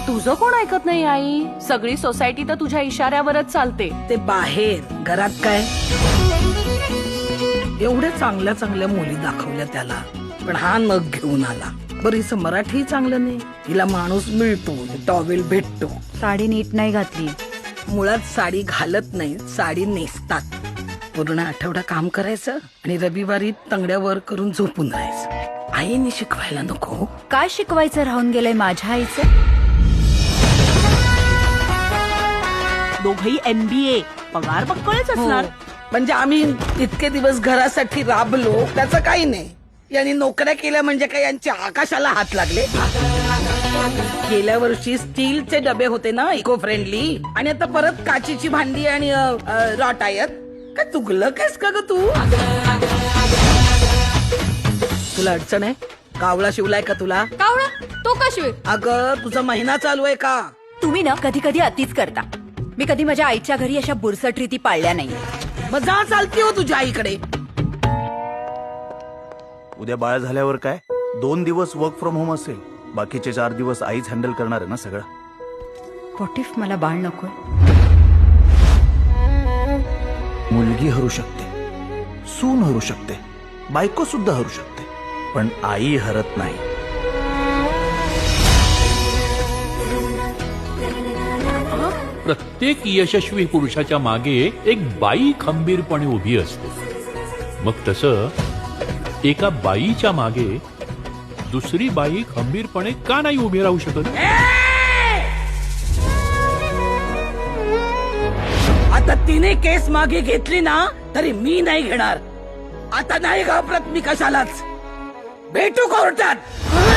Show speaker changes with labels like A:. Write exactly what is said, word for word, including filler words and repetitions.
A: तुझं कोण ऐकत नाही आई? सगळी सोसायटी तर तुझ्या इशाऱ्यावरच चालते.
B: ते बाहेर, घरात काय? एवढ्या चांगल्या चांगल्या मुली दाखवल्या त्याला, पण हा नग घेऊन आला. बरं हिचं मराठी चांगलं नाही, हिला माणूस मिळतो, टॉवेल भेटतो.
C: साडी नीट नाही घातली.
B: मुळात साडी घालत नाही, साडी नेसतात. पूर्ण आठवडा काम करायचं आणि रविवारी तंगड्यावर करून झोपून राहायचं. आईने शिकवायला नको?
C: काय शिकवायचं राहून गेलंय माझ्या आईचं?
A: दोघही एमबीए, पगार पक्कळच असणार.
B: म्हणजे आम्ही इतके दिवस घरासाठी राबलो, त्याचं काही नाही. यांनी नोकऱ्या केल्या म्हणजे काय यांच्या आकाशाला हात लागले? गेल्या वर्षी स्टीलचे डबे होते ना, इको फ्रेंडली, आणि आता परत काचीची भांडी आणि रॉट आहेत. काय चुकलं कायस का ग तू? तुला अडचण आहे? कावळा शिवलाय का तुला?
C: कावळा तो का शिवेल?
B: अगं तुझा महिना चालू आहे का?
C: तुम्ही ना कधी कधी अतिच करता. मी कधी माझ्या आईच्या घरी अशा बुरसट रीती पाळल्या नाही.
B: मग जा चालती हो तुझ्या आईकडे.
D: उद्या बाळ झाल्यावर काय? दोन दिवस वर्क फ्रॉम होम असेल, बाकीचे चार दिवस आईच हँडल करणार आहे ना सगळं.
C: व्हॉट इफ मला बाळ नको?
D: मुलगी हरू शकते, सून हरू शकते, बायको सुद्धा हरू शकते, पण आई हरत नाही.
E: प्रत्येक यशस्वी पुरुषाच्या मागे एक बाई खंबीरपणे उभी असते. मग तसं एका बाईच्या मागे दुसरी बाई खंबीरपणे का नाही उभी राहू शकत?
B: आता तिने केस मागे घेतली ना तरी मी नाही घेणार. आता नाही घाबरत मी कशालाच. भेटू कोर्टात.